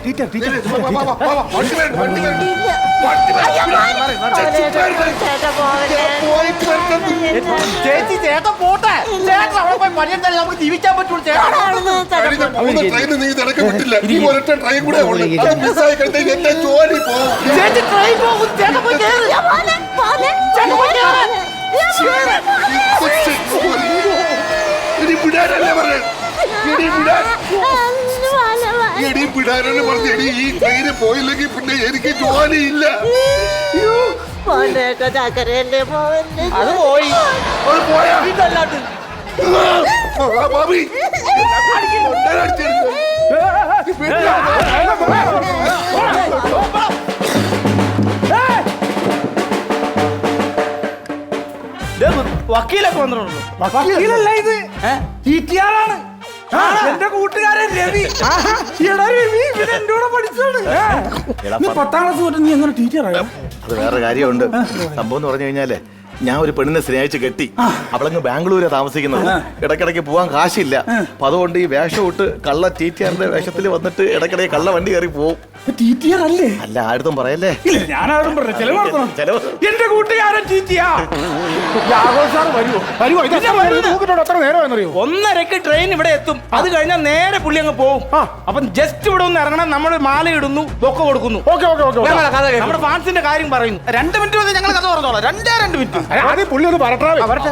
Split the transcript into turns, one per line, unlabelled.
ചേച്ചി ചേട്ടൻ പോട്ടെ. ചേട്ടൻ അവിടെ പോയി പണിയെടുത്താലേ നമുക്ക് ജീവിക്കാൻ പറ്റുള്ളൂ. ചേച്ചി ട്രെയിൻ പോകും. ചേട്ടൻ പോയി കേറ്. ചേട്ടൻ പോയി കേറ്.
ഈ ട്രെയിന് പോയില്ലെങ്കിൽ പിന്നെ എനിക്ക് ജോലിയില്ല.
അത് പോയി.
പോയാ
ഇതല്ലാണ്ട്
ഭാബി
വക്കീലൊക്കെ വന്നിട്ടുണ്ടോ?
വക്കീലല്ല ഇത്, ടിടിആറാണ്. എന്റെ കൂട്ടുകാരൻ രവി. രവി എന്റെ കൂടെ പഠിച്ചാണ്. 10ാം ക്ലാസ് തൊട്ട് നീ എങ്ങനെ ടിടിആറായോ?
അത് വേറെ കാര്യമുണ്ട്. സംഭവം എന്ന് പറഞ്ഞു കഴിഞ്ഞാലേ, ഞാൻ ഒരു പെണ്ണിനെ സ്നേഹിച്ച് കെട്ടി. അവളങ്ങ് ബാംഗ്ലൂരാ താമസിക്കുന്നത്. ഇടയ്ക്കിടയ്ക്ക് പോവാൻ കാശില്ല. അപ്പൊ അതുകൊണ്ട് ഈ വേഷം ഇട്ട് കള്ള ടിടിആറിന്റെ വേഷത്തിൽ വന്നിട്ട് ഇടയ്ക്കിടയ്ക്ക് കള്ള വണ്ടി കയറി പോവും.
ടിടിആർ അല്ലേ?
അല്ല, ആരും പറയല്ലേ.
ഇല്ല, ഞാനാരും പറഞ്ഞു. ചെലവ് നടത്തണം. എന്റെ കൂട്ടുകാരൻ ടിടിആർ. എത്ര നേരമാണെന്നറിയോ?
1:30 ട്രെയിൻ ഇവിടെ എത്തും. അത് കഴിഞ്ഞാൽ നേരെ പുള്ളി അങ്ങ് പോകും. അപ്പം ജസ്റ്റ് ഇവിടെ ഒന്ന് ഇറങ്ങണം. നമ്മൾ മാല ഇടുന്നു, ബൊക്ക കൊടുക്കുന്നു. നമ്മുടെ ഫാൻസിന്റെ കാര്യം പറയുന്നു. 2 മിനിറ്റ് മതി, ഞങ്ങൾ കഥ പറഞ്ഞോളാം. 2 മിനിറ്റ്.
ആദ്യം പുള്ളി ഒന്ന് പറട്ടെ.